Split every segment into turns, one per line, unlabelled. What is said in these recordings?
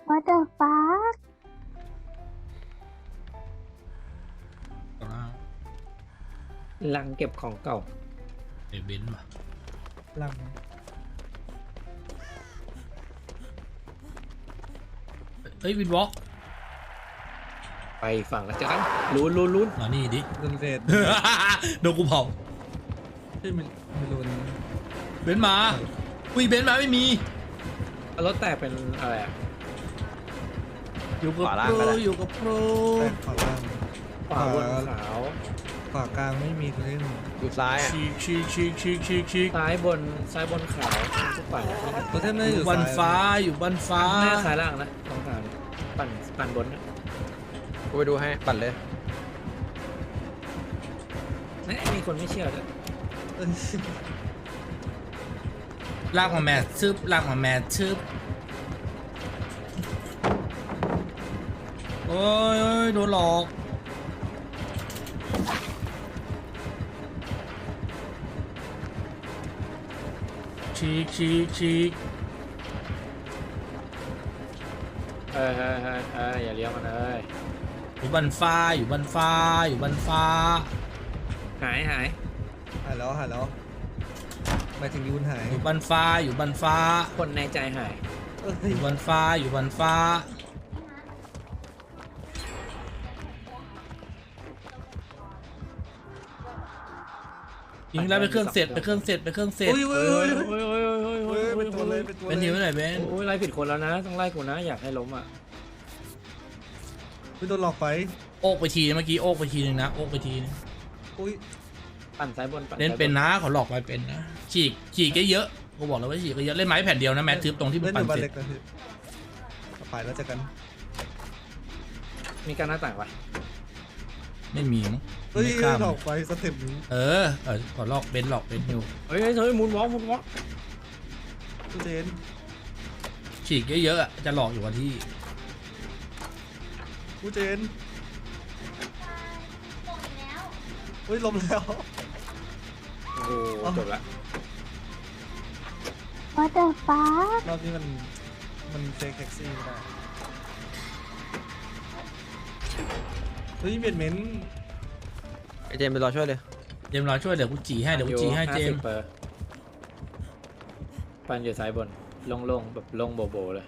What the fuck
ลังเก็บของเก่า
ไอ้เบนซ์มา
ลัง
เฮ้ยวินวอล์ก
ไปฝั่งละจันลุ้น
มานี่ดิ
รุนเรศ
โดนกูเผา
ที่ไม่รุน
เบนซ์มาอุ้ยเบนซ์มาไม่มี
รถแตกเป็นอะไรอะ
อยู่กับ
ขวาล่า
โป
งก็
ร
ได้
อยู่กับโปร
แป้งขวาล่าง
ขวาบนขาว
ขวากลางไม่มีเล่น
อยู่ซ้ายอ่ะ
ชีก
ซ้ายบนขาวทุกฝั่ง
ตัวเทพน่าจะ
อ
อยู่ ยู่
บัน
ซ้าย
ฟ้าอยู่บันฟ้า
หน้าซ้ายล่างนะตรงกลางปั่นบนนะ
กูไปดูให้ปั่นเลย
นี่มีคนไม่เชื่อเลย
เอ้ย
ลากมาแมทซึบลากมาแมทซึบโอ้ยโดนหลอกชีก
อย่าเลี้ยวมันเลย
อยู่บันฟ้าอยู่บันฟ้าอยู่บันฟ้า
หาย
หายแล้วหมายถึงยูนหาย
อยู่บันฟ้าอยู่บันฟ้า
คนในใจหาย
เอ้ย
อยู่บันฟ้าอยู่บันฟ้ายิงแล้วไปเครื่องเสร็จ
อุ้ยเว้ย
โอ้ย
เว้ยเป็นตัวเลยเป็นตัว
เป็นหิวไหนเบน
โอ้ยไล่ผิดคนแล้วนะต้องไล่กูนะอยากให้ล้มอ่ะ
ไม่โดนหลอกไป
โอกไปทีเมื่อกี้โอกไปทีนึงนะโอกไปทีนึง
อุ้ย
ปั่นซ้ายบนปั่น
เล่นเป็นนะเขาหลอกไปเป็นนะฉีกเยอะกูบอกแล้วว่าฉีกเยอะเล่นไม้แผ่นเดียวนะแมททึบตรงที่มัน
เล่นอ
ปั่น
ยู่บ้าน
เสร็
เล็
จ
กนะพี่ไปแล้วเจอกัน
มีการหน้าต่างปะ
ไม่มีมั้ง
เฮ้ย
ไม่ข้าม
หลอกไปสเต็ปนี้
ขอหลอกเบนอยู่
เฮ้ยมุนวอล์ก
ผู้เจน
ฉีกเยอะๆอะจะหลอกอยู่วันที่
ผู้เจนอุ้ยลมแล้ว
โอ้โหจบละ
What the fuck
รอบนี้มันเฟกแท็กซี่ไม่ได้เฮ้ยเบียดเม้น
ไอเจมส์ไปรอช่วยเลย
เจมส์รอช่วยเดี๋ยวกูจีให้เจมส์
ปั่นอยู่ซ้ายบนโล่งๆแบบโล่งโบเลย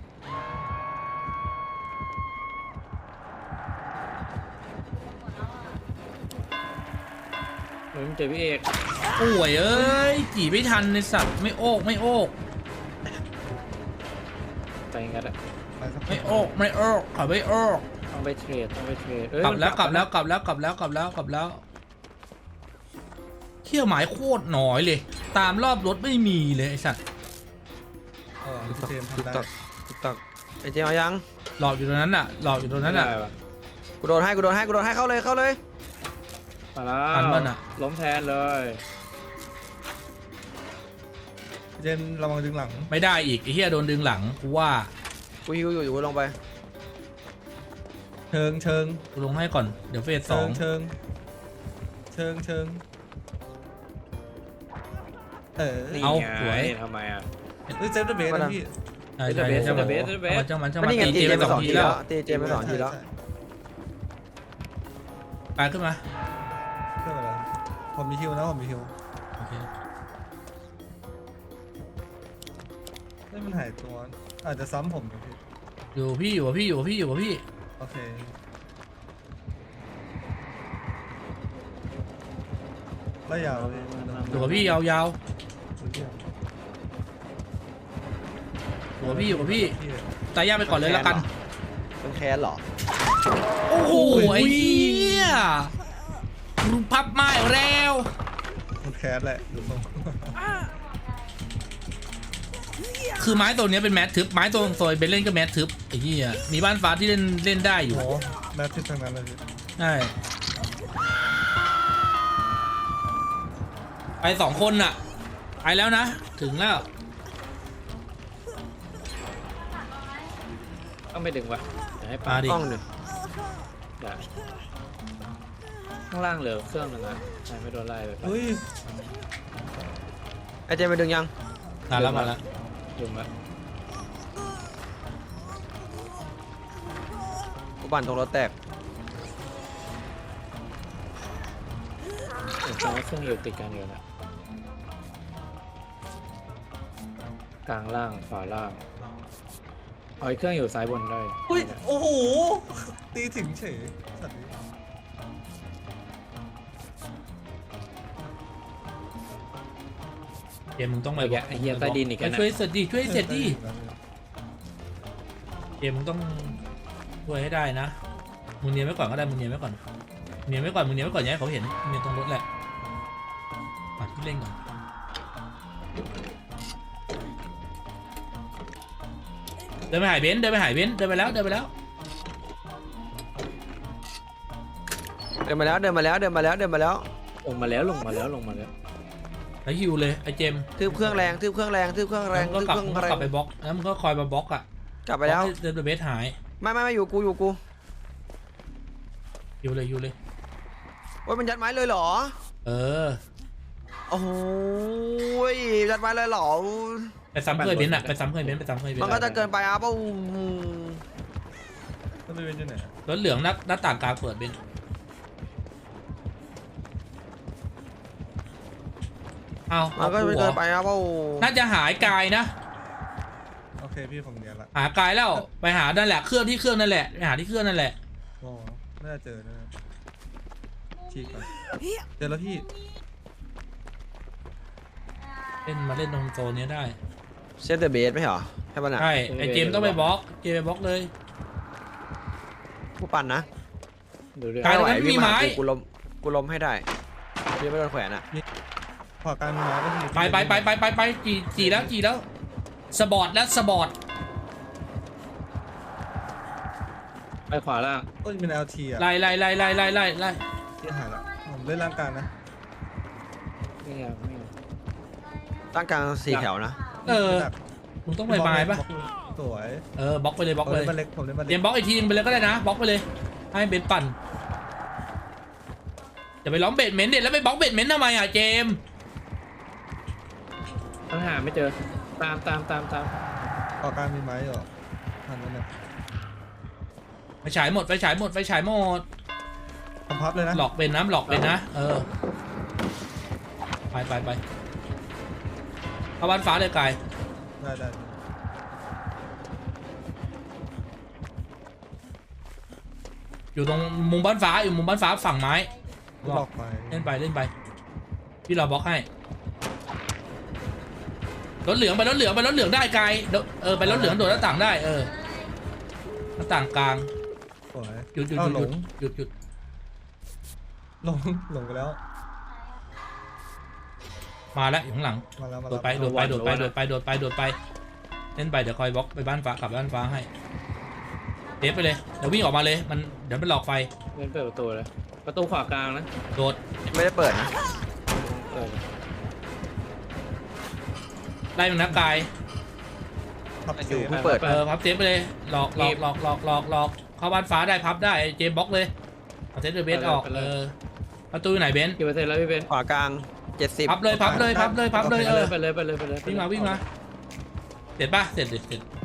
มันเจอพี่เอก
ป่วยเอ้ยจีไม่ทันในสัตว์ไม่โอก
ใจงัดอะ
ไปสัก
ไม่โอกขอไม่โอก
ต้องไปเทรด
กลับแล้วเขี้ยวหมายโคตรหน่อยเลย ตามรอบรถไม่มีเลยไอสัตว์
พี่เจมส์
ติ๊ก
ทำได้
ตักติ๊กตักไอเจมส์เอายัง
หลอกอยู่ตรงนั้นน่ะ
ได้ปะ
กูโดนให้เข้าเลย
มาแล้
ทัน
ว
ป่ะน่ะ
ล้มแทนเลย
พี่เจมส์ระวังดึงหลัง
ไม่ได้อีกไอ้เหี้ยโดนดึงหลังกูว่า
กูฮิวอยู่กูลงไป
เชิง
กูลงให้ก่อนเดี๋ยวเฟสสอง
เชิง
นี่
เอา
ไง
สวย
ทำไมอ่ะ
เฮ้ยเซฟเดอะเบสนะพี่
ใช่
เบส
จังหวะ
เบส
จังหวะ
ไม่นี่ไง
ตี
ตี
เจ
เจ
ม
ม
ส์
ส์
ส
ไป
อง
2
ที
ที
แล้
แล้ว วตีเจมส์ไป2 ทีแล้ว
ไปขึ้นมา
เรื่องอะไรผมมีฮิวนะผมมีฮิว
โอเค
ไม่มันหายตัวอาจจะซ้ำผมนะพี่
อยู่กับพี่
โอเคไล่ยาวเลย
อยู่กับพี่ยาวๆอยู่กับพี่ตายยากไปก่อนเลยแล้วกัน
เป็นแค้นเหรอ
โอ้โหไอ้เหี้ยรูปพับไม้แล้ว
มันแคสแหละดูทรง
คือไม้ตัวเนี้ยเป็นแมททึบไม้ตัวโซยเป็นเล่นก็แมททึบไอ้เหี้ยมีบ้านฟ้าที่เล่นได้อยู่
โอ้แมททิปทางนั้นเลยพี่
ใช่ไป2 คนน่ะไปแล้วนะถึงแล้ว
ต้องไปดึงวะเดี๋ยวให้
มา
ปั่น
ดิ
กล้องดิ
ได้ข้างล่างเหลือเครื่องนึงนะใช่ไม่โดนไล่ไป
เฮ้ย
ไอเจมส์ไปดึงยัง
มาแล้ว
ดึงแล้ว
ปั่นตรงรถแตก
ผมจำว่าเครื่องอยู่ติดกันอยู่นะกลางล่างขวาล่างเอาไอ้เครื่องอยู่ซ้ายบนได้
อุ้ยโอ้โหตีถึงเฉยสัตว์นี้
เจมมึงต้องไป
ไอ้เหี้ยใต้ดินอีก
ไป
แล้วนะ
ช่วยเสร็จดิช่วยเสร็จดิเจมมึงต้องช่วยให้ได้นะมึงเนียนไว้ก่อนก็ได้มึงเนียนไว้ก่อนเนียนไว้ก่อนมึงเนียนไว้ก่อนอย่าให้เขาเห็นเนียนตรงรถแหละปัดที่เล่นก่อนเดินไปหายเบนซ์เดินไปหายเบนซ์เดินไปแล้วเดินไปแล้ว
เดินมาแล้วเดินมาแล้วเดินมาแล้วเดินมาแล้ว
ลงมาแล้วลงมาแล้วลงมาแล้ว
แล้วฮิวเลยไอ้เจมส์
ทืบเครื่องแรงทืบเครื่องแรงทืบเครื่องแรง
แล้ว
ทืบ
ก็
เครื่อง
ก
แร
ลับ
ง
ไปบล็อกแล้วมึงก็คอยมาบล็อกอ่ะ
กลับไปแล้ว
เดินไปเบสหาย
ไม่อยู่กูอยู่กู
ฮิวเลยฮิวเลย
ว่ามันยัดไม้เลยเหรอ
เออ
โอ้โหยัดไม้เลยเหรอ
ไปซ้ำเคยเบนซ์อ่ะไปซ้ำเคยเบนซ์ไปซ้ำเคยเบน
มัน
ซ์
ก็จะเกินไปอ่ะเปล่า
มันเป็นยังไง
รถเหลืองหน้าต่างกลางเปิดเบนซ์เอา
มันก็จะเกินไปอ่ะเปล่า
น่าจะหายกายนะ
โอเคพี่ผมเนียนละ
หากายแล้วไปหานั่นแหละเครื่องที่เครื่องนั่นแหละไปหาที่เครื่องนั่นแหละ
โอ้น่าจะเจอนะฉีกก่อนเจอแล้วพี่
เล่นมาเล่นตรงโซนนี้ได้
เซฟเดอะเบสไหมเหรอใช่ป่ะน่ะ
ใช่ไอเจมส์ต้องไปบล็อกเจมส์ไปบล็อกเลย
ผู้ปั่นนะ
ดูเรื่อง
กลาย
ไม่ไหว
แล้วไม่มี
วิ่งมาหา
ไม้
กูล้มให้ได้พี่ไม่โดนแขวนอ่ะ
ขวาการมีไม้ก็มี
ไปจีแล้วสบอดแล้วสบอด
ไปขวาล่าง
โอ้ยเป็น LT อ่ะ
ไล่
ที่หายละผมเล่นร่างกายนะ
ไม่เอาไม่เอา
ตั้งกลางสี่แถวนะ
เออมึงต้องไปไม้ปะ
สวย
เออบล็อกไปเลยบล็อก
ผม
เล
เล่
ย
นมาเล็กผมเล่นมา
เต
เล็
รี
ก
ยมบล็อกอีกทีนึงไปเลยก็ได้นะบล็อกไปเลยให้เบนปั่นจะไปล้อมเบดเมนต์เด็ดแล้วไปบล็อกเบดเมนต์ทำไมอ่ะเจมส์
ต้องหาไม่เจอตาม
ขวาการมีไม้เหรอหันมาหน่อย
ไฟฉายหมด
ทำพับเลยนะ
หลอกเป็นนะหลอกเป็นนะเออไปเข้าบ้านฟ้าเลยกาย
ได้
อยู่ตรงมุมบ้านฟ้าอยู่มุมบ้านฟ้าฝั่งไม้
หลอกไป
เล่นไปพี่เราบล็อกให้รถเหลืองไปรถเหลืองได้กายไปรถเหลืองโดดหน้าต่างได้หน้าต่างกลาง
สวย
หยุด
อ้าวหลง
หยุด
หลงไปแล้ว
มาแล้วอยู่ข้างหลัง
มาแล้ว
โดดไปเล่นไปเดี๋ยวคอยบล็อกไปบ้านฟ้ากลับบ้านฟ้าให้เดฟไปเลยเดี๋ยววิ่งออกมาเลยเดี๋ยวมันหลอกไฟ
เล่นเปิดประตูเลยประตูขวากลางนะ
โดด
ไม่ได้เปิดนะ
เปิดเลย
ไล่มันนักกาย
พับ
อ
เซ
ยู่
ฟ
เพิ่งเปิด
พับเซฟไปเลยหลอกเข้าบ้านฟ้าได้พับได้เจมบล็อกเลยเอาเซฟเดอะเบสออกประตูอยู่ไหนเบน
กี่เปอร์เซ็นต์แล้วพี่เบน
ขวากลาง70
พับเลยเออ
ไปเลย
วิ่งมาเสร็จป่ะเสร็จ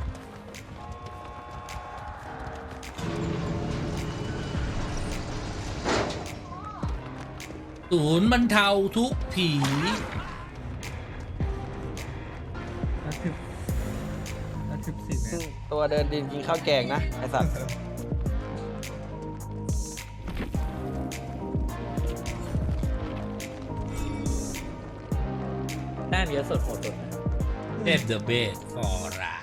ศูนย์บรรเทาทุกผี
14 เมตร
ตัวเดินดินกินข้าวแกงนะไอสัตว์
แต้มเยอะสุดโหดสุด
เซฟเดอะเบสฟอร์รา